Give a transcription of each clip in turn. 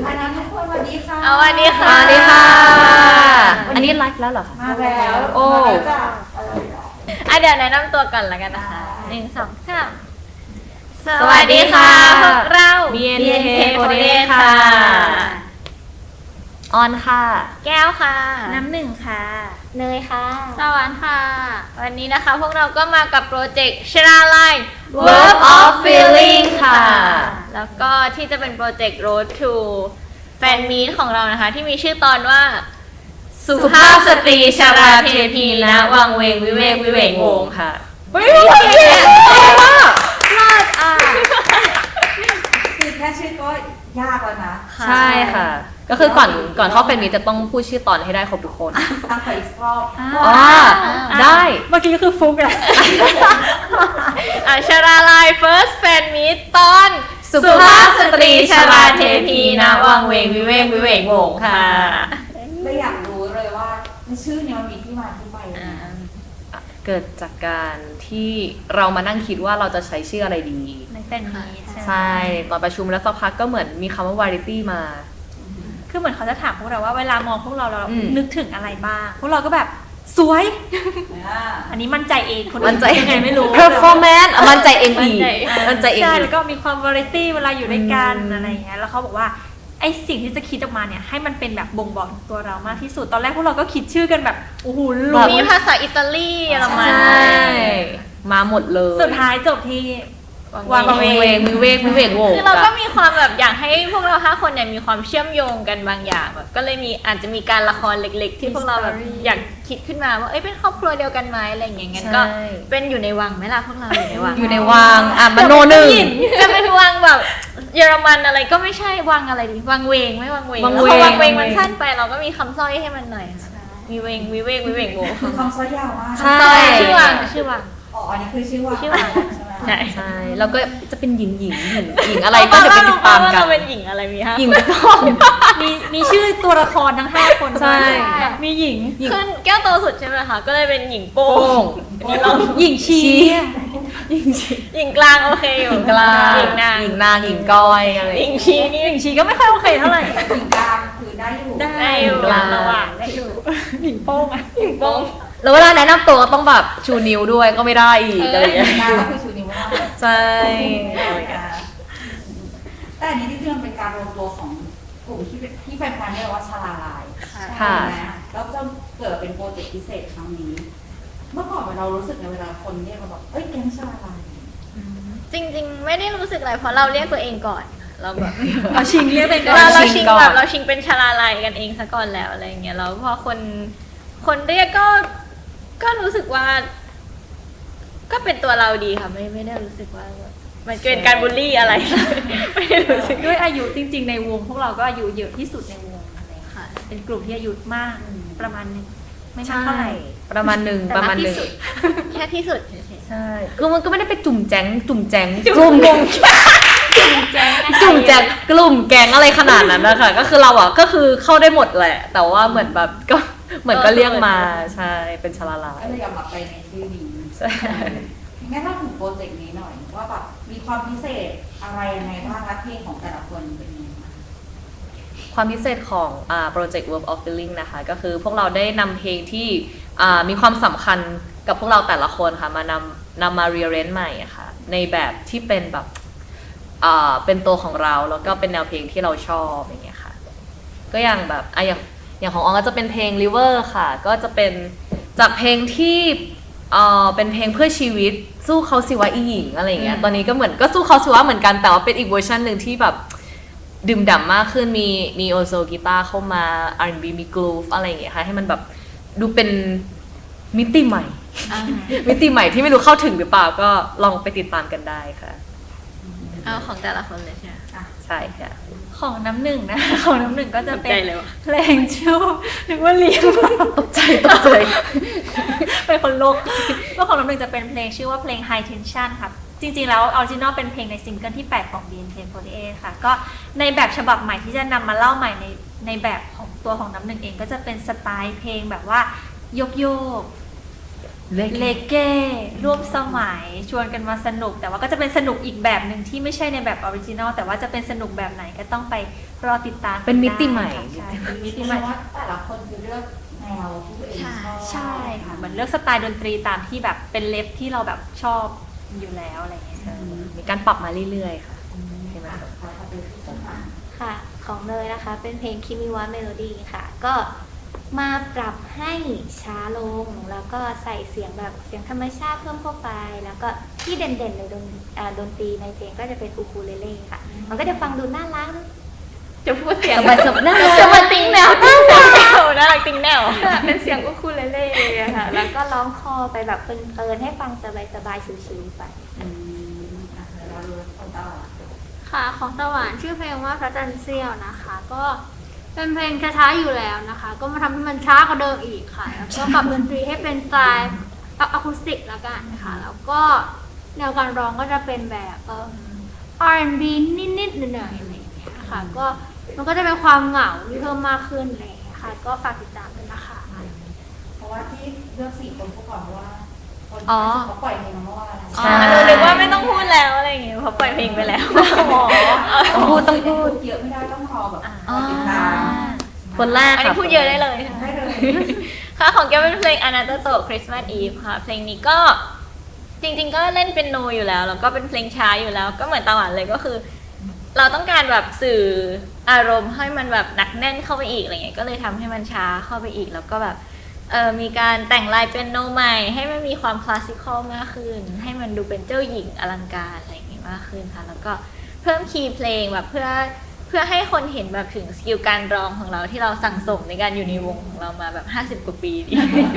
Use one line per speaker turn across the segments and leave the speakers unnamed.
อันนั้นทุกคนสวัสดีค่ะ
สวัสดีค่ะ
สวัสดีค่ะ อันนี้ไลฟ์แล้วเหรอคะ
มาแล้ว
โอ้
มาแล้วจ้ะ
เดี๋ยวแนะนำตัวก่อนแล้วกันนะคะ1 2 3
สวัสดีค่ะ
พวกเรา
BNK48 ค่ะ ออนค่ะ
แก้วค่ะ
น้ำหนึ่งค่ะ
เนยค่ะสวรรค์ค่ะ วันนี้นะคะพวกเราก็มากับโปรเจกต์ชราไล
Verb of Feeling ค่ะ
แล้วก็ที่จะเป็นโปรเจกต์ Road to Fan Meet ของเรานะคะ ที่มีชื่อตอนว่า
สุภาพสตรีชาราเทพีนะวังเวงวิเวกวิเวกวงศ์ค่ะ
เฮ้ยเก่งมาก
คือแค่ชื่อก็ยากแล้วนะ
ใช่ค่ะ ก็คือก่อนเข้าแฟนมีตจะต้องพูดชื่อตอนให้ได้ครบทุกคน
ตั้งแต่อีกรอบ
อ๋อ ได้
เมื่อกี้ก็คือฟุกอะ
ชราไล First Fan Meet ตอน
สุภาพสตรีชาราเทพีนะวังเวงวิเวกวิเวกวงศ์ค่ะ
เลยอยากรู้เลยว่าในชื่อเนี้มันมีที่มาที่ไปยังไง
เกิดจากการที่เรามานั่งคิดว่าเราจะใช้ชื่ออะไรดี
ในแฟนมีต
ใช่ ตอนประชุมแล้วสักพักก็เหมือนมีคำว่าวาไรตี้มา
คือเหมือนเขาจะถามพวกเราว่าเวลามองพวกเรา
อืม
นึกถึงอะไรบ้าง พวกเราก็แบบสวย
อ่า
อันนี้มั่นใจเองคนอื่
มันใจ
ยังไงไม่รู้
performance อ่ะมันใจเองอีก
มั่
มัน
น
ใจ
ใจ
เอง
ใช่
อี
แล้
ก
วก็มีความวาไรตี้เวลาอยู่ด้วยกัน
อืม
อะไรอย่างเงี้ย แล้วเขาบอกว่าไอสิ่งที่จะคิดออกมาเนี่ยให้มันเป็นแบบบ่งบอกถึงตัวเรามากที่สุด ตอนแรกพวกเราก็คิดชื่อกันแบบโอ้โหหลุ
มีภาษาอิตาลีเยอรมัน
ใช่ มาหมดเลย
สุดท้ายจบที่
วางเวงวิเวกวิเวกวงศ์
คือเราก็มีความแบบอยากให้พวกเรา5 คนเนี่ยมีความเชื่อมโยงกันบางอย่างแบบก็เลยอาจจะมีการละครเล็กๆ ที่พวกเราแบบอยากคิดขึ้นมาว่าเอ้ยเป็นครอบครัวเดียวกันไหมอะไรอย่างเงี้ยงั้นก็เป็นอยู่ในวังไหมล่ะพวกเราอยู่ในวัง
อยู่ในวังอ่ะมโนหนึ่ง
จะเป็นวังแบบเยอรมันอะไรก็ไม่ใช่วังอะไรดีวังเวงไม่วังเวง
วัง
แล้ว
เวง
พอวังเวงมันสั้นไปเราก็มีคำสร้อยให้มันหน่อยค่ะมีเวงวิเวกวิเวกโว
คือคำซอยยาวมาก
ใช่
ชื่อวังชื่อวัง
อ๋ออันนี้คือชื่อว่า
ชื่อว่า
ใช่ไหม
ใช่
ใช่ แล้วก็จะเป็นหญิงอะไรก็เดี๋ยวไปติดตามกัน
เราเป็นหญิงอะไรมีฮะ
หญิงต้อง
มีชื่อตัวละครทั้ง5 คน
ใช่
มีหญิง
ขึ้นแก้วโตสุดใช่ไหมคะก็เลยเป็นหญิงโป้
โป้
ง
ง
หญิงชี
หญิงกลางโอเคอยู่
กลาง
หญิงนาง
หญิงนางหญิงก้อยอะไร
หญิงชีนี่
หญิงชีก็ไม่ค่อยโอเคเท่าไหร่
ถึงกลางคือได้อยู่
ได้อยู่
กลาง
ระหว่าง
ได้อยู่หญิงโป้งอะ
หญิงโป้ง
แล้วเวลาแนะนำตัวก็ต้องแบบชูนิ้วด้วยก็ไม่ได้อีกอะไรอย่างเงี้ย
กลางก็คือชูนิ้วว่า
ใช่
แต่อันนี้ที่มันเป็นการรวมตัวของกลุ่มที่แฟนๆเรียกว่าชาลาลาย
ค่ะ
ใช่ไหมแล้วจนเกิดเป็นโปรเจกต์พิเศษครั้งนี้ เมื่อก่อนเรารู้สึกในเวลาคนเรียกเราแบบเอ้ยแก๊งชาลาลาย
จริง ๆ ไม่ได้รู้สึกอะไรเพราะเราเรียกตัวเองก่อนเราแบบ
เราชิงเรียกเป็น
เราชิงแบบเราชิงเป็นชาลาลัยกันเองซะก่อนแล้วอะไรอย่างเงี้ยแล้วพอคนเรียกก็รู้สึกว่า ก็เป็นตัวเราดีค่ะไม่ได้รู้สึกว่ามันเป็นการบูลลี่อะไร ไม่ได้รู้สึก
ด้วยอายุจริงๆในวงพวกเราก็อายุเยอะที่สุดในวงอะไรอย่างเงี้ย
ค่ะ
เป็นกลุ่มที่อายุมากประมาณนึงไม่มากเท่าไหร่
ประมาณหนึ่ง
แต่
ประมาณ
ก
ห
ที่
นึ่ง
สุด
แค่ที่สุดเฉย
ใช่คือมันก็ไม่ได้ไปจุ่มแจ้งกลุ่มแก๊งกลุ่มแก๊งอะไรขนาดนั้นนะคะก็คือเราอ่ะก็คือเข้าได้หมดแหละ แต่ว่าเหมือนแบบก็เหมือนก็เรียกมาใช่เป็นชลาลาย
ก็เลยยอมรับไปในชื่อนี้
ใช่
งั้นเราถึงโปรเจกต์นี้หน่อยว่าแบบมีความพิเศษอะไรยังไงบ้างและเพลงของแต่ละคนเป็นยังไงบ้าง
ความพิเศษของโปรเจกต์ Verb of Feeling นะคะก็คือพวกเราได้นำเพลงที่มีความสำคัญกับพวกเราแต่ละคนค่ะมานำมา rearrange ใหม่อะค่ะในแบบที่เป็นแบบเป็นตัวของเราแล้วก็เป็นแนวเพลงที่เราชอบอย่างเงี้ยค่ะก็อย่างแบบอย่างของอองก็จะเป็นเพลง River ค่ะก็จะเป็นจากเพลงที่เป็นเพลงเพื่อชีวิตสู้เขาสิวะอีหญิงอะไรอย่างเงี้ยตอนนี้ก็เหมือนก็สู้เขาสิวะเหมือนกันแต่ว่าเป็นอีกเวอร์ชันหนึ่งที่แบบดื่มด่ำมากขึ้นมีโอโซกีตาร์เข้ามา R&B มีกรูฟอะไรอย่างเงี้ยค่ะให้มันแบบดูเป็นมิติใหม่ มิติใหม่ที่ไม่รู้เข้าถึงหรือเปล่าก็ลองไปติดตามกันได้ค่ะ
เอาของแต่ละคนเลยใช่ไหม
ใช่ค่ะ
ของน้ำหนึ่งนะ ของน้ำหนึ่งก็จะเป็น
ตกใจเลยวะ
เพลงชื่อนึกว่าเลี้ยง
ตกใจ
เป็นคนโลกก็ของน้ำหนึ่งจะเป็นเพลงชื่อว่าเพลง High Tension ค่ะจริงๆแล้วออริจินอลเป็นเพลงในซิงเกิลที่ 8 ของ BNK48 ค่ะก็ในแบบฉบับใหม่ที่จะนำมาเล่าใหม่ในแบบของตัวของน้ำหนึ่งเองก็จะเป็นสไตล์เพลงแบบว่าโยกเลเก้ร่วมสมัยชวนกันมาสนุก แต่ว่าก็จะเป็นสนุกอีกแบบหนึ่งที่ไม่ใช่ในแบบออริจินอลแต่ว่าจะเป็นสนุกแบบไหนก็ต้องไปรอติดตาม
เป็นมิติใหม่
ใช่เป็นมิติ
ที่
ให
หมา
ม่
ยว่าแต่ละคนคือเลือกแนวที่ตัวเองชอบ
ใช่ค่ะเหมือนเลือกสไตล์ดนตรีตามที่แบบเป็นเลฟที่เราแบบชอบอยู่แล้วอะไรอย่างเงี้ยค่ะ
มีการปรับมาเรื่อยๆค่ะให้มัน
ขอดูที่ต้นทาง
ค่ะของเนยนะคะเป็นเพลงคิมิวะเมโลดี้ค่ะ ก็มาปรับให้ช้าลง แล้วก็ใส่เสียงแบบเสียงธรรมชาติเพิ่มเข้าไป แล้วก็ที่เด่นๆในดนตรีในเพลงก็จะเป็นอูคูเลเล่ค่ะ มันก็จะฟังดูน่ารักจะพูดเสียง
สบายๆน่ารัก
จะมาติ้งแนวน่ารักติ้งแนว
เป็นเสียงอูคูเลเล่เลยค่ะ แล้วก็ร้องคอไปแบบเพลินๆให้ฟังสบายๆชิวๆไป
เดี๋ยวเราดูคนต่อ
ค่ะของตะวันชื่อเพลงว่าพระจันทร์เสี้ยวนะคะ ก็เป็นเพลงช้าๆอยู่แล้วนะคะ ก็มาทำให้มันช้ากว่าเดิมอีกค่ะแล้วก็ปรับดนตรีให้เป็นสไตล์อะคูสติกแล้วกันค่ะแล้วก็แนวการร้องก็จะเป็นแบบR&B นิดๆหน่อยๆอะไรอย่างเงี้ยค่ะก็มันก็จะเป็นความเหงาที่เพิ่มมากขึ้นอะไรอย่างเลยค่ะก็ฝากติดตามด้วยนะคะ
เพราะว่าที่เลือก4 คนพวกก่อนเพราะว่าคน
อ๋อ
เขาปล่อยเพลงมาเมื่อวาน
ใช่
หนูนึกว่าไม่ต้องพูดแล้วอะไรอย่างเงี้ยเพราะปล่อยเพลงไปแล้ว
ต้องพูดต้องพูด
เยอะไม่ได้ต้องรอแบบรอติดตาม
คนแรก
อัน
ค่ะ
นี้พูดเยอะได้เลย
ได้เลย
ค่ะของแกเป็นเพลง Anatoto Christmas Eve ค่ะ เพลงนี้ก็จริงๆก็เล่นเป็นโนอยู่แล้ว แล้วก็เป็นเพลงช้าอยู่แล้ว ก็เหมือนตะวันเลยก็คือ เราต้องการแบบสื่ออารมณ์ให้มันแบบหนักแน่นเข้าไปอีกอะไรเงี้ยก็เลยทำให้มันช้าเข้าไปอีกแล้วก็แบบมีการแต่งลายเป็นโนใหม่ให้มันมีความคลาสสิคอลมากขึ้น ให้มันดูเป็นเจ้าหญิงอลังการอะไรอย่างงี้มากขึ้นค่ะแล้วก็เพิ่มคีย์เพลงแบบเพื่อให้คนเห็นแบบถึงสกิลการร้องของเราที่เราสั่งสมในการอยู่ในวงของเรามาแบบ50 กว่าปีดี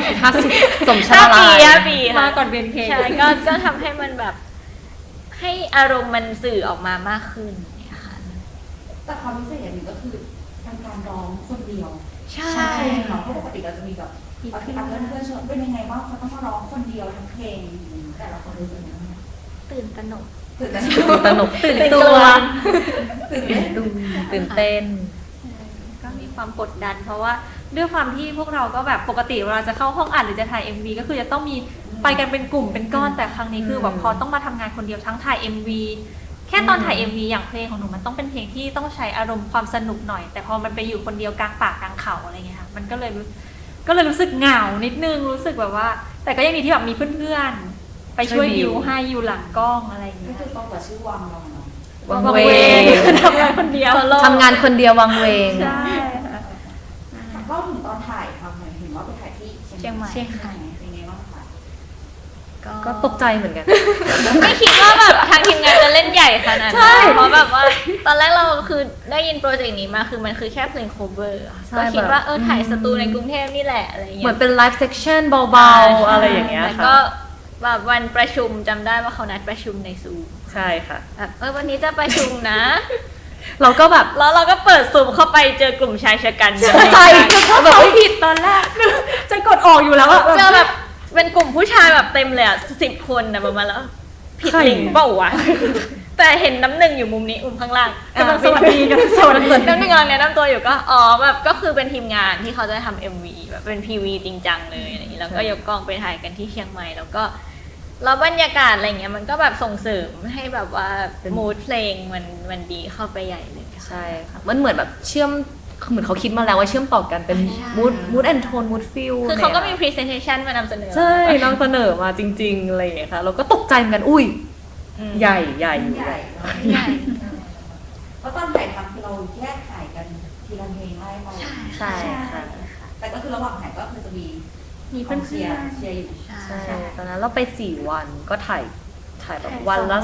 50สมชา
5
ลา
ปี
ย
5 ปีค่ะ
มาก่อนเบนเพลง
ใช่ก็ทำให้มันแบบให้อารมณ์มันสื่อออกมามากขึ้นเนี่ยค่ะ
แต่ความพิเศษอย่างหนึ่งก็คือการร้องคนเดียว
ใช่
เนาะเพราะปกติเราจะมีแบบเพื่อนๆชวนเป็นยังไงบ้างเขาต้องมาร้องคนเดียวทั้งเพลงแต่ละคนรู้สึกยังไง
ตื่นตระหนก
ตื่นเต้น
ตนกตื่นตัว
ตื่นเต้น
ตื่นเต้น
ก็มีความกดดัน เพราะว่าด้วยความที่พวกเราก็แบบปกติเวลาจะเข้าห้องอัดหรือจะถ่าย MV ก็คือจะต้องมีไปกันเป็นกลุ่มเป็นก้อนแต่ครั้งนี้คือแบบพอต้องมาทำงานคนเดียวทั้งถ่าย MV แค่ตอนถ่าย MV อย่างเพลงของหนูมันต้องเป็นเพลงที่ต้องใช้อารมณ์ความสนุกหน่อย แต่พอมันไปอยู่คนเดียวกลางป่ากลางเขาอะไรเงี้ยค่ะมันก็เลยรู้สึกเหงานิดนึงรู้สึกแบบว่า แต่ก็ยังดีที่แบบมีเพื่อนๆไปช่วยบิวให้อยู่หลังกล้องอะไรอย่าง
ก็
เงี้ย
คือต้องกับชื่อวังเราเนาะ
วังเวง
ทำงานคนเดียว
ทำงานคนเดียววังเวง
ใช่ค่ะ
ก็ถึงตอนถ่ายทำหน่อยเห็นว่าไปถ่ายที่เชียงใหม่เป็นไงบ้างคะ
ก็ตกใจเหมือนกัน
ไม่คิดว่าแบบทางทีมงานจะเล่นใหญ่ขนาด
ใช่
นั้นเพราะแบบว่าตอนแรกเราคือได้ยินโปรเจกต์นี้มาคือมันคือแค่เพลง cover อะ
ใช่
ก็คิดว่า
แบบ
ถ่ายสตูในกรุงเทพนี่แหละอะไร
เห
เงี้ย
มือนเป็นไลฟ์เซ c ชันเบาๆ อะไรอย่างเงี้ย
แล้ว
ค่ะ
ก็แบบวันประชุมจำได้ว่าเขานัดประชุมในซูม
ใช่ค่ะ
แบบวันนี้จะประชุมนะ
เราก็แบบ
แล้วเราก็เปิดซูมเข้าไปเจอกลุ่มชายชะกัน
ใช่
แบบไม่ผิดตอนแรก จะกดออกอยู่แล้วอะ
เจอแบบเป็นกลุ่มผู้ชายแบบเต็มเลยอ่ะ10 คนนะประมาณแล้ว ผิดลิงก์เปล่าวะ แต่เห็นน้ำหนึ่งอยู่มุมนี้ข้างล่าง
กำลังสวัสดีกันสวัสดี
น้ำหนึ่งกำลังแนะนำตัวอยู่ก็แบบก็คือเป็นทีมงานที่เขาจะทำ MV แบบเป็น PV จริงจังเลยอะไรอย่างนี้แล้วก็ยกกล้องไปถ่ายกันที่เชียงใหม่แล้วก็แล้วบรรยากาศอะไรเงี้ยมันก็แบบส่งเสริมให้แบบว่ามูดเพลงมันดีเข้าไปใหญ่เลยค่ะ
ใช่ค่ะมันเหมือนแบบเชื่อมเหมือนเขาคิดมาแล้วว่าเชื่อมต่อกันเป็น
ใช่
มูดแอนโทนมูดฟิล
คือเขาก็มี presentation มานำเสนอ
ใช่นำเสนอมาจริงๆอะไรอย่างเงี้ยค่ะเราก็ตกใจเหมือนกันอุ้ย
อืม
ใหญ่ใหญ่อยู่
ใหญ่
ใหญ่
เพราะตอนถ่ายทำคือเราแยกถ่ายกันทีละเพลงไล่ไป
ใช่ค่ะ
แต่ก็คือระหว่างถ่ายก็คือจะมี
มีเพื่อน
เชียร์อยู่
ใช่ตอนนั้นเราไป4 วันก็ถ่ายแบบวันละ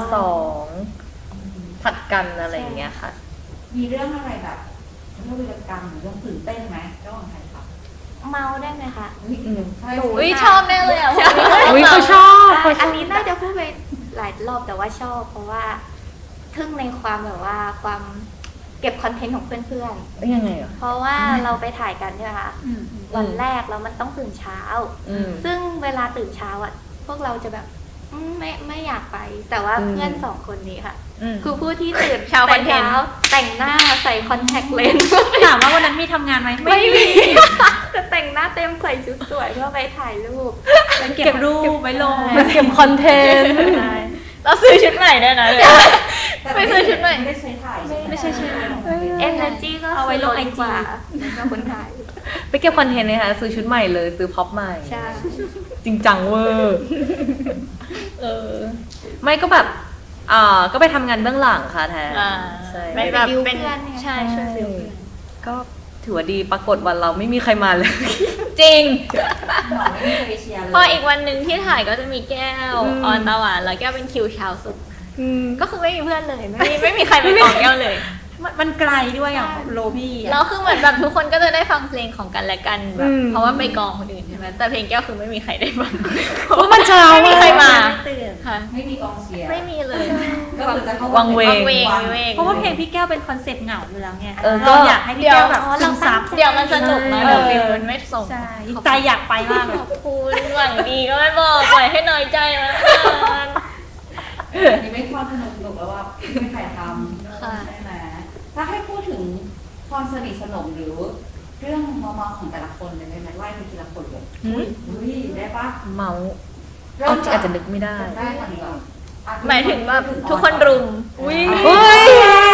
2ผัดกันอะไรอย่างเงี้ยค่ะ
มีเรื่องอะไรแบบเรื่องวีรกรรมหรือเรื่องตื่นเต้นไหมระหว่างถ่ายทำ
เมาได้ไหมคะ
ใช่
อุ้ยชอบแน่เลยอ่ะ
อุ้ยเขาชอบเขาช
อั
อน บ
นี้น่าจะพูดไปหลายรอบแต่ว่าชอบ เพราะว่าทึ่งในความแบบว่าความเก็บคอนเทนต์ของเพื่อน
ยังไงอ่ะ
ๆ เพราะว่าเราไปถ่ายกันใช่ไหมคะวันแรกแล้วมันต้องตื่นเช้า ซึ่งเวลาตื่นเช้าอ่ะพวกเราจะแบบไม่อยากไป แต่ว่าเพื่อน2 คนนี้ค่ะ คือผู้ที่ตื่น
ชาวค
แต่
อนเทนต์
เช้าแต่งหน้าใส่คอนแทคเลนส์
ถามว่าวันนั้นมีทำงานไหมไม่มี
จะแต่งหน้าเต็มใส่ชุดสวยเพื่อไปถ่ายรูป
เก็บรูปไว้ลง
มันเก็บคอนเทนต์
เราซื้อชุดใหม่ได้วยนะเลย
แต่
ไปซื้อชุดใหม่
ไม่ได้ใช้ถ่ายใช่ไหม
ไม่ใช่ใช่
energy ก็
เอาไว้ลง
ดี
IG
กว่าแล้วก็คนถ่าย
ไปเก็บคอนเทนต์เลยค่ะซื้อชุดใหม่เลยซื้อพ็อปใหม่
ใช่
จริงจังเวอร์ไม่ก็แบบก็ไปทำงานเบื้องหลังค่ะแทน
อ่า
ใช่
ไม่แบบเป็น
บิวเพื่อนเนี่ย
ใช่ช่วยบิวเพื่อน
ก็ถือว่าดีปรากฏวันเราไม่มีใครมาเลย
จริง
หมอไม่มีใครเชียร์เลย
พออีกวันหนึ่งที่ถ่ายก็จะมีแก้วออนตะวันแล้วแก้วเป็นคิวเช้าสุดก็คือไม่มีเพื่อนเลย ไม่มีใครไปกองแก้วเลย
มันไกลด้วยอ่ะโลพี่
แล้วคือเหมือนแบบทุกคนก็จะได้ฟังเพลงของกันและกันแบบเพราะว่าไปกองคนอื่นใช่ไหมแต่เพลงแก้วคือไม่มีใครได้ฟัง
เพราะมันเช้า
ไม่มีใครมา
ไม่ตื่น
ค่ะ
ไม่มีกองเชียร์
ไม่มีเลย
ก็คือจะเข้า
วังเวง
เวงเวง
เพราะว่าเพลงพี่แก้วเป็นคอนเซ็ปต์เหงาอยู่แล้วไง
เออก็
เราอยากให้พี่แก้วแบบซึมซับ
เดี๋ยวมันสนุกนะ
ใช่
เดี๋ยวฟิลมันไม่ส่ง
ใช่ใจอยากไปมากเลย
ขอบคุณหวังดีก็ไม่บอกปล่อยให้น้อยใจมา
นี่ไม่ความสนุกแล้วว่าไม่มีใครทำใช่ไหมถ้าให้พูดถึงความสนิทสนมหรือเรื่องเมาๆของแต่ละคนเลยได้ไหมไล่ไปทีละคนเลยอุ้ยได้ปะ
เมาส์เอาจริงอาจจะนึกไม่ได้
ได้ก่อนดีกว่าอ่ะ
หมายถึงแบบทุกคนรุม
อุ้ย
เฮ้ย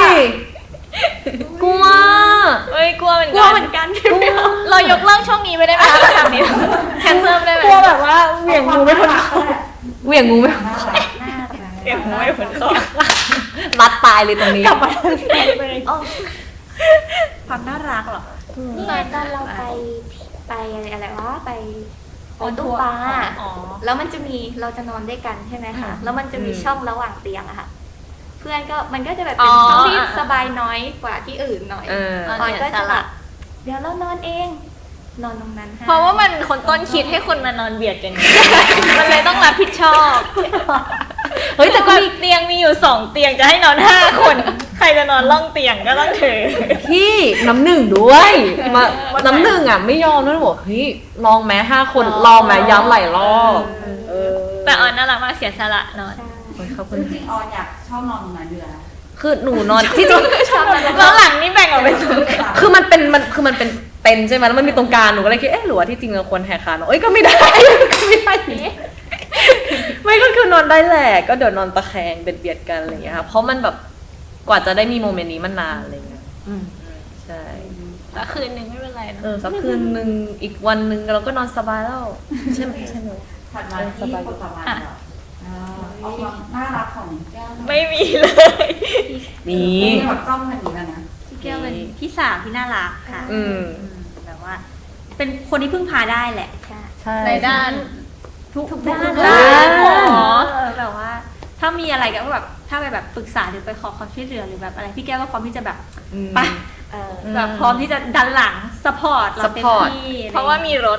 กลัว
เอ้ยกลัวเหมือน
กลั
กั
วน เหมือนกัน
เรายกเลิกช่วงนี้ไปได้ไหมคะทำนี้แคนเซิลได้ไหม
กลัวแบบว่าเหวี่ยงงูไม่พ้นคอ
เหวี่ยงงูไหม
น่ารัก
น่ารัก
เก็บหัวไม่พ้นคอ
รัดตายเลยตรงนี้
กลับมาทำเพลงเลยความน่ารักเหรอ
นี่ไงตอนเราไปอะไรวะไปตู้ปลา
อ๋อ
แล้วมันจะมีเราจะนอนด้วยกันใช่ไหมคะ แล้วมันจะมีช่องระหว่างเตียงอะค่ะ เพื่อนก็มันก็จะแบบเป็นช่องที่สบายน้อยกว่าที่อื่นหน่อย
เออ
ออยก็จะแบบเดี๋ยวเรานอนเอง นอนตรงนั้นให้
เพราะว่ามันคนต้นคิดให้คนมานอนเบียดกันไงมันเลยต้องรับผิดชอบ
เฮ้ยแต่ก็มี
เตียงมีอยู่2เตียงจะให้นอน5คน ใครจะนอนล่องเตียงก็ต้องถือ
พี่น้ำหนึ่งด้วยมาน้ำหนึ่งอ่ะไม่ยอมนะบอกเฮ้ยลองแม้5 คนลองแม้ย้ำหลายรอบเออ
แต่ออนน่ารักมากเสียสละนอน
ใช่
ขอบคุ
จ
ณ
ริงๆออนอยากชอบนอนตรงนั้นอยู่แล้ว
คือหนูนอนที่จริง
แล้วหลังนี่แบ่งออกเป็นสอง
คือมันเป็นใช่ไหมแล้วมันมีตรงกลางหนูก็เลยคิดหรือว่าที่จริงเราควรแหกขาเอ้ยก็ไม่ได้ ก็ไม่ได้ไม่ก็คือนอนได้แหละก็เดี๋ยวนอนตะแคงเบียดกันอะไรอย่างเงี้ยค่ะเพราะมันแบบกว่าจะได้มีโมเมนต์นี้มันนานอะไรอย่างเงี้ยใช่
แต่คืนนึงไม่เป็นไรนะ
สักคืนนึงอีกวันนึงเราก็นอนสบายแล้วใช่ไหม
ถัดมาที่คนต่อมาก่อนเอาความน่ารักของแก้ว
ไม่มีเลย
นี่
นี่แบบจ้องกันอยู่แล้วนะ
พี่แก้วเป็นพี่สาวที่น่ารักค่ะ
อืม
แบบว่า เป็นคนที่พึ่งพาได้แหละ
ใช่
ใช่
ในด้าน
ทุกด้าน
ด้าน
แบบว่า ถ้ามีอะไรก็แบบถ้าไปแบบปรึกษาหรือไปขอความช่วยเหลือหรือแบบอะไรพี่แก้วก็พร้อมที่จะแบบ ไป แบบพร้อมที่จะดันหลังสปอร์ตเราเต็มที่
เพราะว่ามีรถ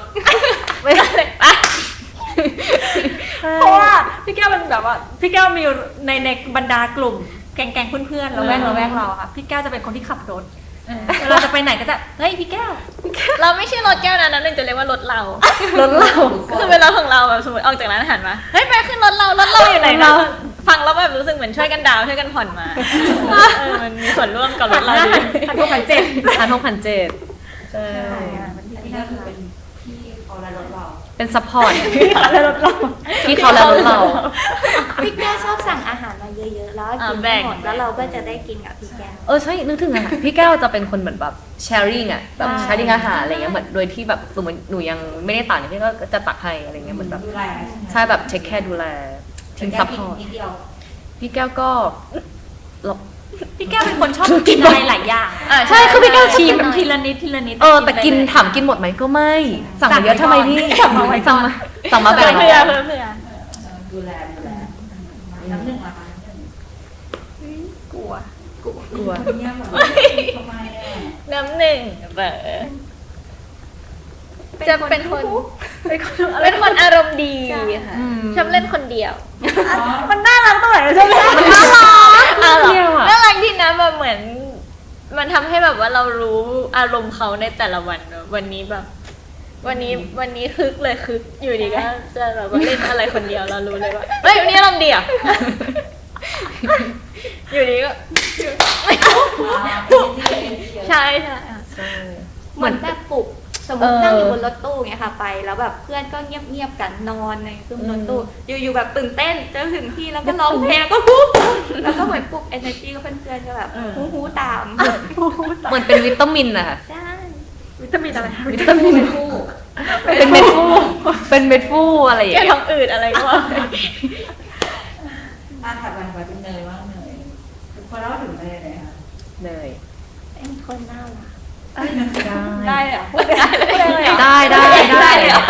เพราะว่าพี่แก้วมันแบบว่าพี่แก้วมีในบรรดากลุ่มแก๊งๆเพื่อนๆเราแวกเราอะค่ะพี่แก้วจะเป็นคนที่ขับรถเราจะไปไหนก็จะเฮ้ยพี่แก้ว
เราไม่ใช่รถแก้วนะนั่นจะเรียกว่ารถเรา
รถเรา
คือเป็นรถของเราแบบสมมติออกจากร้านอาหารมาเฮ้ยไปขึ้นรถเราอยู่ไหนเราฟังแล้วแบบรู้สึกเหมือนช่วยกันดาวช่วยกันผ่อนมามันมีส่วนร่วมกับรถเราดี
1,700ใช่
อันนี้ก็คือเป็นพี่เขาและรถเรา
เป็นซัพพอร์ตที่เขาและรถเรา
พี่แก้วชอบสั่งอาหารมาเยอะๆ แล้วกินไม่หมดแล้วเราก็จะได้กินกับพี่แก้ว
ใช่นึกถึงอะพี่แก้วจะเป็นคนเหมือนแบบแชร์ริ่งอะแบบแชร์ริ่งอาหารอะไรเงี้ยเหมือนโดยที่แบบสมมติหนูยังไม่ได้ตักเนี่ยพี่ก็จะตักให้อะไรเงี้ยเหมือนแบบ
ดูแล
ใช่แบบเทคแคร์ดูแลทีมซัพพอร์ต
นิดเดียว
พี่แก้วก็เรา
พี่แก้วเป็นคนชอบกินอะไรหลายอย่าง
ใช่คือพี่แก้วชิม
แบบทีละนิด
แต่กินถามกินหมดไหมก็ไม่สั่งมาเยอะทำไมพี่สั่งมาแบ่ง
เพื่อ
ดูแลน้ำหนึ่งละคะ
กลัว
เงียบแบบทำไมอ่ะ
น้ำหนึ่งจะเป็นคนอารมณ์ดีค่ะชอบเล่นคนเดียว
มันน่ารักตรงไหนใช่ไหม
มันน่ารัก
น่ารักที่นะแบบเหมือน มันทำให้แบบว่าเรารู้อารมณ์เขาในแต่ละวันวันนี้แบบ วันนี้คึกเลยคึกอยู่ดีก็จะแบบว่าเล่นอะไรคนเดียวเรารู้เลยว่าเฮ้ยวันนี้อารมณ์ดีอ่ะอยู่ดีก็ใช่
เหมือนแบบปลุกสมมตินั่งอยู่บนรถตู้เงี้ยค่ะไปแล้วแบบเพื่อนก็เงียบๆกันนอนในเครื่องรถตู้อยู่ๆแบบตื่นเต้นจะถึงที่แล้วก็ร้องเพลงแล้วก็ปุ๊บแล้วก็เหมือนปลุก energy ก็เพื่อนๆก็แบบฮู้ตาม
เหมือนเป็นวิตามินนะคะ
ใช่
วิตามินอะไร
วิตามินเป็นเม็ดฟูเป็นเม็ดฟูอะไรอย่าง
แก้
เงี้ย
ท้องอืดอะไรก็ว่าไป
ถัดไปเป็นเนยว่างเนยคนเล่าถึงเนยเลยค่ะ
เนย
เป็นคนน่ารัก
ได้เหรอ
ได้เลยเหรอ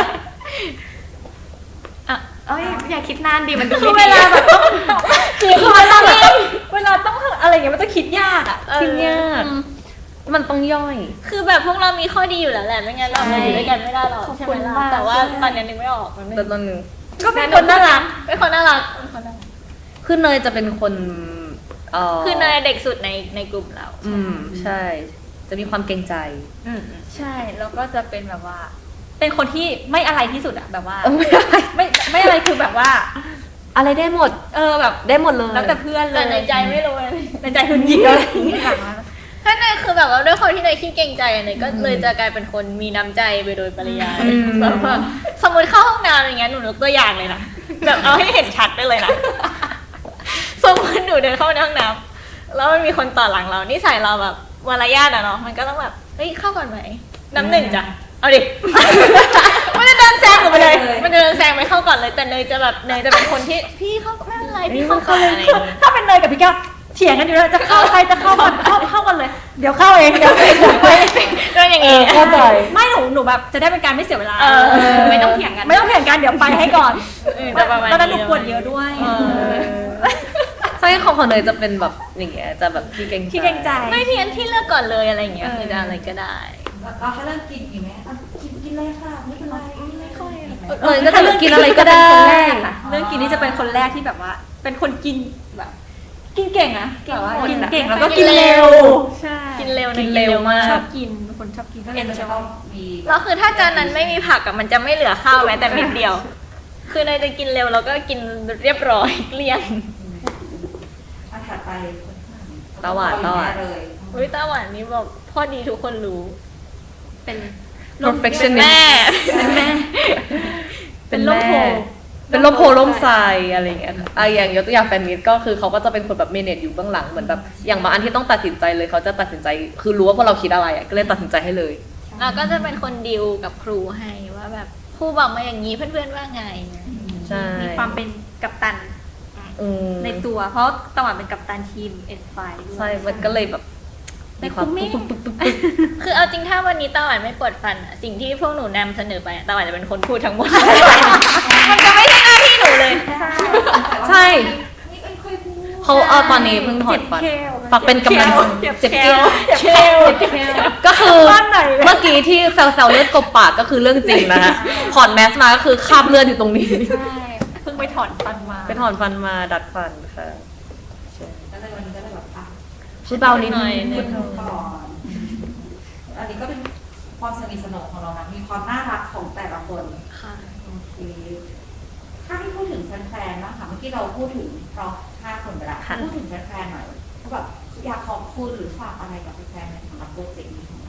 เอ้ยอย่าคิดนานดิมันดู
คือ
ไม่
เว
ดี
ลาแบบต้องเวลาต้องอะไรอย่างเงี้ยมันจะคิดยากอ่ะ
คิดยากมันต้องย่อย
คือแบบพวกเรามีข้อดีอยู่แล้วแหละไม่งั้นเราอยู่ด้วยกันไม่ได้หรอกใช่ไหมล่ะแต่ว่าตอนนี้นึกไม่ออกมันไม่
แต่ตอนหนึง
ก็เป็นคนน่ารักเป็นคนน่ารักเป็นคนน่ารัก
คือเนยจะเป็นคน
คือเนยเด็กสุดในกลุ่มเรา
ใช่ จะมีความเกรงใจ
ใช่แล้วก็จะเป็นแบบว่า เป็นคนที่ไม่อะไรที่สุดอะแบบว่า ไม่อะไรคือแบบว่า
อะไรได้หมด
แบบ
ได้หมดเลย
แล้วแต่เพื่อนเล
แต่
ย
ในใจไม่รู้เลย
ในใจคือหยิกอะไรอย่างเงี้ยแบบว่า
ถ้าเนยคือแบบว่าด้วยความที่เนยขี้เกรงใจเนยก็เลยจะกลายเป็นคนมีน้ำใจไปโดยปริยายแบบว่าสมมติเข้าห้องน้ำอย่างเงี้ยหนูยกตัวอย่างเลยนะแบบเอาให้เห็นชัดไปเลยนะสมมติหนูเดินเข้าในห้องน้ำแล้วมันมีคนต่อหลังเรานิสัยเราแบบมารยาทอะเนาะมันก็ต้องแบบเฮ้ยเข้าก่อนไหมน้ำหนึ่งจ้ะเอาดิ มันจะเดินแซงหนูไปเลย มันจะเดินแซงไปเข้าก่อนเลยแต่เนยจะแบบเนยจะเป็นคนที่พี่เข้าไม่เป็นไรพี่เข้าก่อนอะไรอย่างเงี้ย
ถ้าเป็นเนยกับพี่แก้วเถียงกันอยู่แล้วจะเข้าใครจะเข้าก่อนเข้ากันเลย เดี๋ยวเข้าเองเดี๋ยวไป
ก็อย่างงี้
เข้าใจ
ไม่หนูแบบจะได้เป็นการไม่เสียเวลา
ไม่ต้องเถียงกัน
ไม่ต้องเถียงกันเดี๋ยวไปให้ก่อน
จะประมาณ
ตอนนั้นหนู
นี้
ปวดเยอะด้วย
ใช่ของเนยจะเป็นแบบอย่างเงี้ยจะแบบที่เกรงใจ
ที่เกรงใจ
ไม่เพี้ยนที่เลือกก่อนเลยอะไรอย่างเงี้ยคือจะอะไรก็ได้
เราให้เริ่มกินอีกไหมกินเลยค่ะไม่เป็นไรไม่ค่อย
เนยก็จะกินอะไรก็ได้
เรื่องกินนี่จะเป็นคนแรกที่แบบว่า เป็นคนกินแบบ กินเก่งอะแบบว่ากินเก่งแล้วก็กินเร็วใช่
กินเร็ว
กินเร็วมาก
ชอบกินเป็นคนชอบกินก็เลย
มัน
จะ
จะ
ต้
ต้
อ
อง งมี
แล้วคือถ้าจานนั้นไม่มีผักอะมันจะไม่เหลือข้าวแม้แต่เม็ดเดียว คือเนยจะกินเร็วแล้วก็กินเรียบร้อยเกลี้ยง
ถัดไป
ตาหวาน
เลย
อุ้ยตาหวานนี่บอกพ่อดีทุกคนรู้
เป็น
perfectionist
แม่
เป็นแม่
เป็น
ล่มโพ
เป็นล่มโพล่มทรายอะไรอย่างเงี้ยอย่างยกตัวอย่างแฟนมิตก็คือเขาก็จะเป็นคนแบบเมเนจอยู่เบื้องหลังเหมือนแบบอย่างบางอันที่ต้องตัดสินใจเลยเขาจะตัดสินใจคือรู้ว่าพวกเราคิดอะไรก็เลยตัดสินใจให้เลย
เราก็จะเป็นคนดีลกับครูให้ว่าแบบครูบอกมาอย่างนี้เพื่อนๆว่าไง
ใช่
มีความเป็นกัปตัน ในตัวเพราะตะวันเป็นกัปตันทีม N5 ด้วย
ใช่มันก็เลยแบบมีความ
แต่คุ้ม
ปึ๊ก
คือเอาจริงถ้าวันนี้ตาหวานไม่ปวดฟันอะสิ่งที่พวกหนูนำเสนอไปอะตาหวานจะเป็นคนพูดทั้งหมด มันจะไม่ใช่หน้าที่หนูเลย
ใช่เขาตอนนี้เพิ่งถอดฟันฝากเป็นกำลังใจเจ็บเกลียว
เชล
ก็คือ
บ้านไหนเลย
เมื่อกี้ที่แซวเลือดกบปากก็คือเรื่องจริงนะฮะถอดแมสมาก็คือคราบเลือดอยู่ตรงนี้
ใช่เพิ่งไปถอนฟันมา
ไปถอนฟันมาดัดฟันค่ะ
ก็เลยวันนี้ก็เลยแบบอ่ะ
พูดเบานิดนึง
พูดก่อนอันนี้ก็เป็นความสนิทสนมของเรานะมีความน่ารักของแต่ละคน
ค่ะ
โอเคถ้าให้พูดถึงแฟนๆนะคะเมื่อกี้เราพูดถึงเพราะ5 คนไปแล้วพูดถึงแฟนๆหน่อยว่าแบบอยากขอบคุณหรือฝากอะไรกับแฟนๆในสำหรับโปรเจกต์นี้ของเรา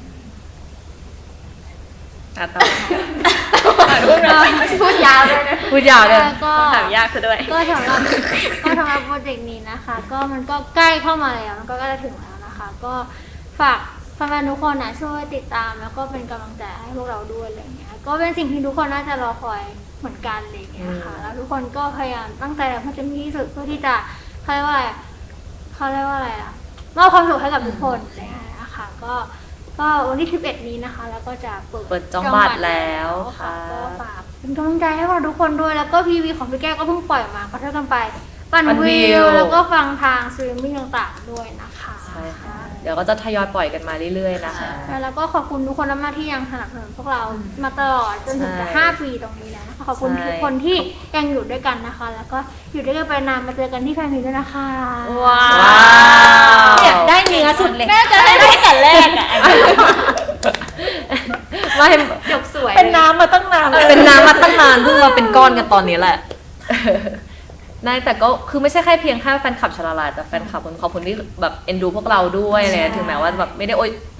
ต่อ
พูดยาวเลยนะ
พูดยาวเลย
ก็
ถามยากซะด้วย
ก็สำหรับโปรเจกต์นี้นะคะ ก็มันก็ใกล้เข้ามาแล้วมันก็ใกล้จะถึงแล้วนะคะ ก็ฝากแฟนๆทุกคนนะช่วยติดตามแล้วก็เป็นกำลังใจให้พวกเราด้วยอะไรเงี้ยก็เป็นสิ่งที่ทุกคนน่าจะรอคอยเหมือนกันอะไรเงี้ยค่ะแล้วทุกคนก็พยายามตั้งใจทำให้เต็มที่ที่สุดเพื่อที่จะเขาเรียกว่าอะไรอะมอบความสุขให้กับทุกคนอะไรเงี้ยนะคะก็วันที่ 11 นี้นะคะ แล้วก็จะเปิด
จองบัตรแล้วค่ะ
ก็ฝากเป็นกำลังใจให้พวกเราทุกคนด้วย แล้วก็พีวีของพี่แก้วก็เพิ่งปล่อยมาขอโทษกันไปปั่น
ปั่นวิ
วิ
ว
วแล้วก็ฟังทางสตรีมมิ่งต่างๆด้วยนะคะ
ใช่ค่ะ เดี๋ยวก็จะทยอยปล่อยกันมาเรื่อยๆนะคะ
แล้วก็ขอบคุณทุกคนมากๆที่ยังสนับสนุนพวกเรามาตลอดจนถึงจะ
ใช่
5 ปีตรงนี้แล้วนะคะขอบคุณ
ใช่
ทุกคนที่ยังอยู่ด้วยกันนะคะ แล้วก็อยู่ด้วยกันไปนานมาเจอกันที่แฟนเพจด้วยนะคะ
ว้า
ว้าว
เนี่ยได้เนื้อสุดเลย
แม่จะได้ตั้งแต่แรกอะ
ไม่
จบสวย
เป็นน้ำมาตั้งนาน
เป็นน้ำมาตั้งนานเพิ่งมาเป็นก้อนกันตอนนี้แหละ ได้แต่ก็คือไม่ใช่แค่เพียงแค่แฟนคลับชลาลาแต่แฟนคลับขอบคุณที่แบบเอ็นดูพวกเราด้วยอะไรเงี้ยถึงแม้ว่าแบบไม่ได้โอยแบบ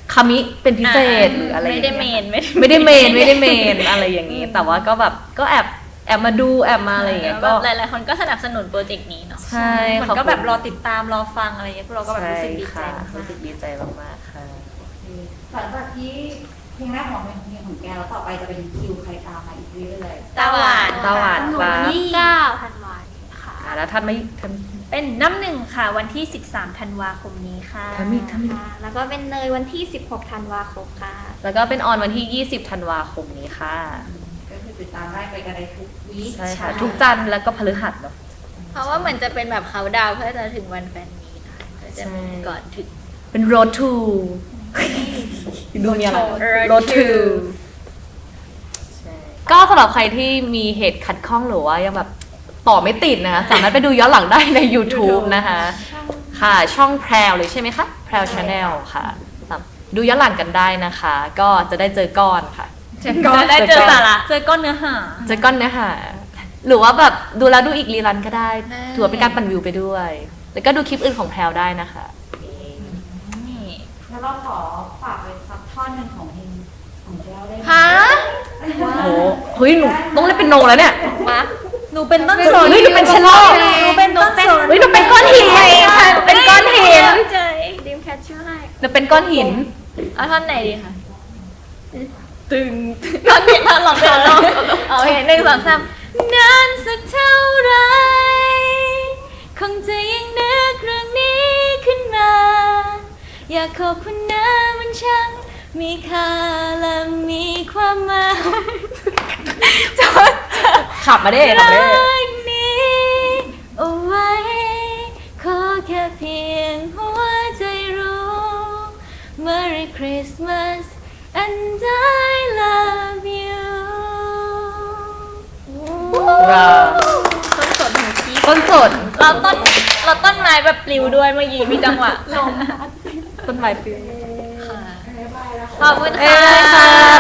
คามิเป็นพิเศษหรืออะไรอย่าง
ไม่ได้เม
เงี้ย
น
ไม่ได้เมนอะไรอย่างนี้ แต่ว่าก็แบบก็แอบมาดูแอบมาอะไรอย่างเงี้ย
ก็
ก็
หลายๆคนก็สนับสนุนโปรเจกต์นี้เนาะ
ใช่
เหมือนก็แบบรอติดตามรอฟังอะไรเงี้ยพวกเราก็แบบรู้สึกดีใจ
ค่ะ
มาก
รู้สึกดีใจมากๆค่ะ
หลังจากที่เพลงแรกของเพลงของแกแล้วต่อไปจะเป็นคิวใครตามมาอีกเรื่อย
ตาหวาน
ตาหวาน
หนู
ครั
วัน
บ
ที่9ธันวาคมค่ะ
แล้วท่านไม่ท
เป็นน้ำหนึ่งค่ะวันที่ 13 ธันวาคมนี้ค่ะ
ำทำอีก
ค่ะ แล้วก็เป็นเนยวันที่ 16 ธันวาคมค่ะ
แล้วก็เป็นออนวันที่ 20 ธันวาคมนี้ค่ะ
ๆก็คือติดตามได้ไปกันได้ทุกวีค
ใช่ค่ะ ทุกจันทร์แล้วก็พฤหัสเนาะ
เพราะว่าเหมือนจะเป็นแบบเขาดาวน์เพื่อจะถึงวันแฟนมีตค่ะก็จะมีก่อนถึง
เป็น road to ดูมีอะไร road to ใช่ก็สำหรับใครที่มีเหตุขัดข้องหรือว่ายังแบบต่อไม่ติดนะคะสามารถไปดูย้อนหลังได้ใน YouTube นะคะ ค่ะช่องแพรวเลยใช่ไหมคะแพรวชาแนลค่ะดูย้อนหลังกันได้นะคะ ก็จะได้เจอก้อนค่ะ
จะได้เจอสาระ
เจอก้อนเนื้อหา
เจอก้อนเนื้อหาหรือว่าแบบดูแล้วดูอีกรีรันก็ได้
ได้
ถือว่าเป็นการปั่นวิวไปด้วย แล้วก็ดูคลิปอื่นของแพรวได้นะคะ
นี่
แล้วเราขอฝากเป็นสักท่อนหนึ่งของเพลงของแก้วได้ไหม
ฮะ
โอ้โหเฮ้ยหนูต้องเล่นเป็นโนแล้วเนี่ย
หนูเป็นต้นสน
เฮ้ยหนูเป็นเชลโล่
หนูเป็นต้นสน
เฮ้ยหนูเป็นก้อนหินเป็นก้อนหิน
ใจ
ดิมแคทชื่อให้
หนูเป็นก้อนหิน
เอาท่อนไหนดีคะตึงท่อนนี้ท่อนหลอกท่อนหลอกโอเค1 2 3นานสักเท่าไรคงจะยังนึกเรื่องนี้ขึ้นมา อยากขอบคุณนะมันช่างมีค่าและมีความหมายจดจำ
ขับมาได้ขับมาได้
รักนี้เอาไว้ขอแค่เพียงหัวใจรู้ Merry Christmas and I love you
ว้าว
ต้นสดหูกี้
ต้นสน
เราต้นไม้แบบปลิวด้วยเมื่อกี้มีจังหวะลม
ต้นไม้ปลิว
ขอบคุณ
เอ้
ค่ะ
ยค่ะ